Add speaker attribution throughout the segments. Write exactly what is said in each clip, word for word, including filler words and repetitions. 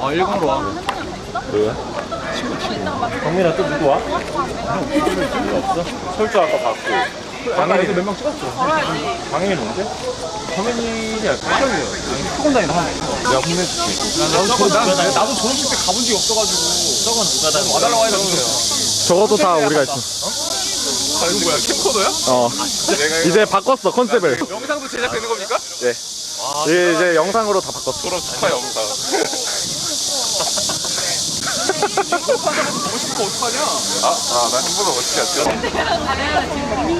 Speaker 1: 아 일본으로 와.
Speaker 2: 왜? 친구 친구. 강민아 또 누구 와? 누구 없어? 설주 아까 봤고. 강민이
Speaker 1: 몇명 찍었어.
Speaker 2: 강민이 뭔데?
Speaker 1: 강민이야. 학교이에요. 학원 다니는 한.
Speaker 2: 내가 혼내줄게.
Speaker 1: 나도 졸업, 난, 나도 졸업식 때 가본 적이 없어가지고. 저건 누가 다 와달라고 해주세요.
Speaker 3: 적어도 다 우리가 있어.
Speaker 1: 아 이거 뭐야? 캠코더야?
Speaker 3: 어. 이제 바꿨어 컨셉을.
Speaker 1: 영상도 제작되는 겁니까?
Speaker 3: 네. 이제, 이제 영상으로 다 바꿨어.
Speaker 1: 졸업 축하 영상. 보고 싶어 어떡하냐?
Speaker 2: 아, 아, 나 한 번도 어떻게 했지?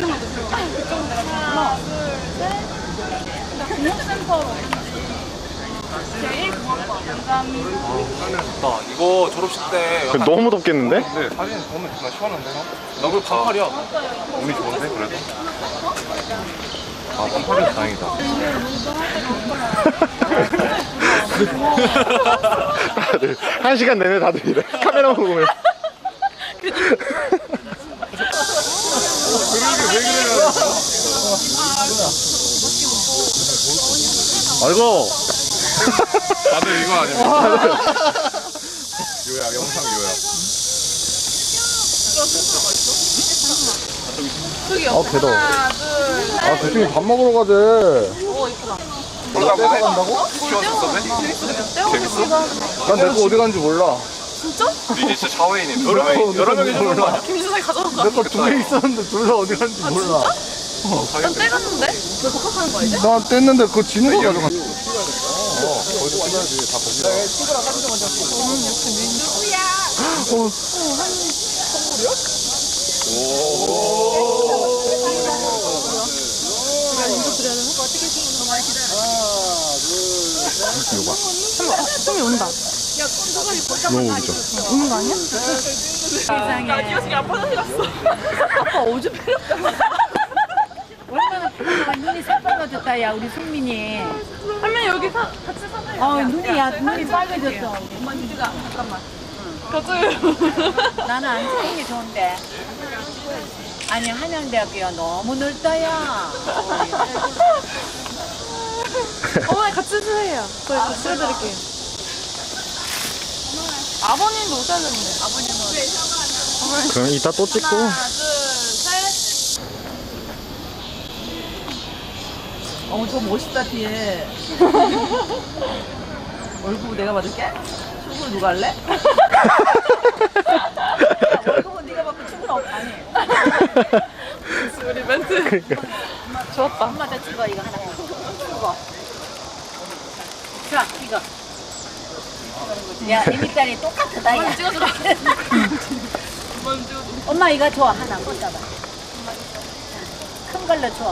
Speaker 1: 나 이거 졸업식 때
Speaker 3: 너무 덥겠는데?
Speaker 2: 근데 사진 보면 정말 시원한데, 형?
Speaker 1: 나 그거 반팔이야.
Speaker 2: 운이 좋은데, 그래도? 아, 반팔이어서 다행이다.
Speaker 3: 다들 한 시간 내내 다들 이래. 카메라 보면. 아이고.
Speaker 2: 다들 이거 아닙니까? 요약, 영상 요약.
Speaker 3: 아 배도. 아 대충이 밥 먹으러 가재.
Speaker 2: 몰라, 보네?
Speaker 3: 간다고?
Speaker 2: 재밌어?
Speaker 3: 난 내 거 어디 간지 몰라.
Speaker 2: 니네 진짜 자웨이님. 여러 명이, 여러 명이 좀 몰라.
Speaker 4: 김수상이 가져간 거야?
Speaker 3: 내 거 두 개 있었는데 둘 다 어디 간지 몰라.
Speaker 4: 난 떼갔는데? 왜 복학하는 거야 이제?
Speaker 3: 나 뗐는데 그거 진우가 가져갔어.
Speaker 2: 어, 거기서 찍어야지. 다 거기다.
Speaker 4: 솜이 온다.
Speaker 3: 너무 웃기죠.
Speaker 4: 오는 거 아니야? 세상에. 나 기어식이 아빠 서 갔어. 아빠 오줌 필요없다.
Speaker 5: 얼마나 피곤하고 눈이 새빨개졌다 야 우리 승민이.
Speaker 4: 할머니 여기 사, 같이 사세요.
Speaker 5: 어 눈이 야 눈이 빨개졌어. 엄마 유주가 잠깐만.
Speaker 4: 가져요.
Speaker 5: 나는 안 쓰는 게 좋은데. 아니 한양대학교야 너무 넓다야.
Speaker 4: 어머니 같이 쓰세요. 저희 같이 해드릴게요. 아버님도 오셔야 되는데. 아버님은.
Speaker 3: 그럼 이따 또 찍고.
Speaker 4: 하나, 둘, 셋.
Speaker 6: 어머 저 멋있다 뒤에. 월급 내가 받을게? 출근 누가 할래? 월급은 네가 받고 출근 없 아니.
Speaker 4: 우리 멘트. 좋았다.
Speaker 5: 엄마한테 찍어 이거 하나. 찍어. 자 이거. 야 이미 딸이 똑같다 야.
Speaker 4: 찍어주라.
Speaker 5: 엄마 이거 줘 하나 꽂아봐. 큰 걸로 줘.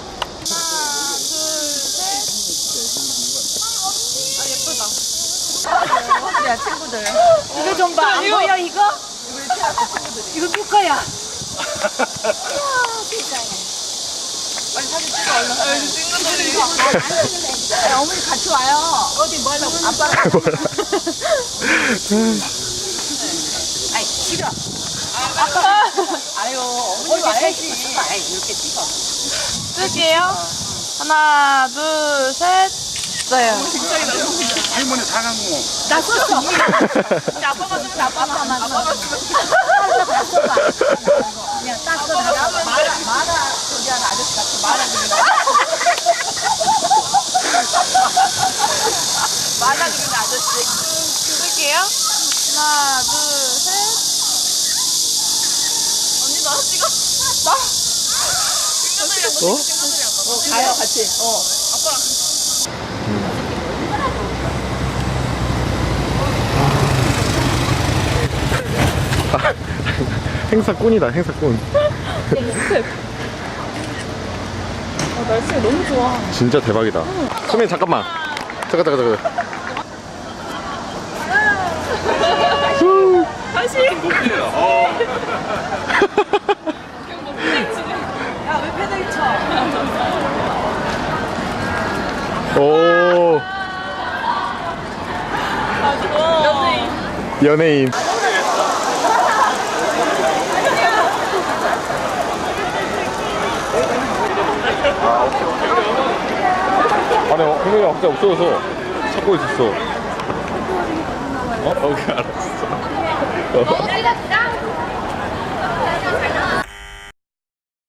Speaker 6: 야 친구들.
Speaker 5: 이거 좀 봐. 안 보여 이거? 이거 누 거야? 아, 세상에.
Speaker 4: 빨리 사진 찍어 얼른. 친구들이.
Speaker 5: 야, 어머니 같이 와요. 어디 뭐 하려고? 아빠랑. 아이 싫어. 아빠. 아유 어머니 와야지. 아이 이렇게 찍어.
Speaker 4: 쓸게요. 하나, 둘, 셋. 써요.
Speaker 2: 할머니 사랑고.
Speaker 5: 나 썼어.
Speaker 4: 근데 아빠가 쓰면
Speaker 5: 아빠만
Speaker 4: 아빠가
Speaker 5: 써.
Speaker 4: 쓰면.
Speaker 5: 다 써봐. 그냥 딱 써봐. 마라 마라 저기 하는 아저씨 같은 마라 그리는.
Speaker 4: 만화 그리는 아저씨. 쓸게요. 하나, 둘, 셋. 언니 나 찍어. 나? 친구들이랑
Speaker 3: 어?
Speaker 4: 친구들이랑.
Speaker 6: 어 가요 같이. 어.
Speaker 4: 아빠랑.
Speaker 3: 행사꾼이다 행사꾼.
Speaker 4: 아, 날씨가 너무 좋아.
Speaker 3: 진짜 대박이다. 수민 잠깐만. 잠깐 잠깐 잠깐.
Speaker 4: 다시.
Speaker 6: 야왜 패들 쳐?
Speaker 3: 오
Speaker 4: 아, 좋아. 연예인.
Speaker 3: 연예인. 아니, 어, 공연이 갑자기 없어져서 찾고 있었어.
Speaker 2: 어? 오케이 알았어.
Speaker 4: 너무 찍었다.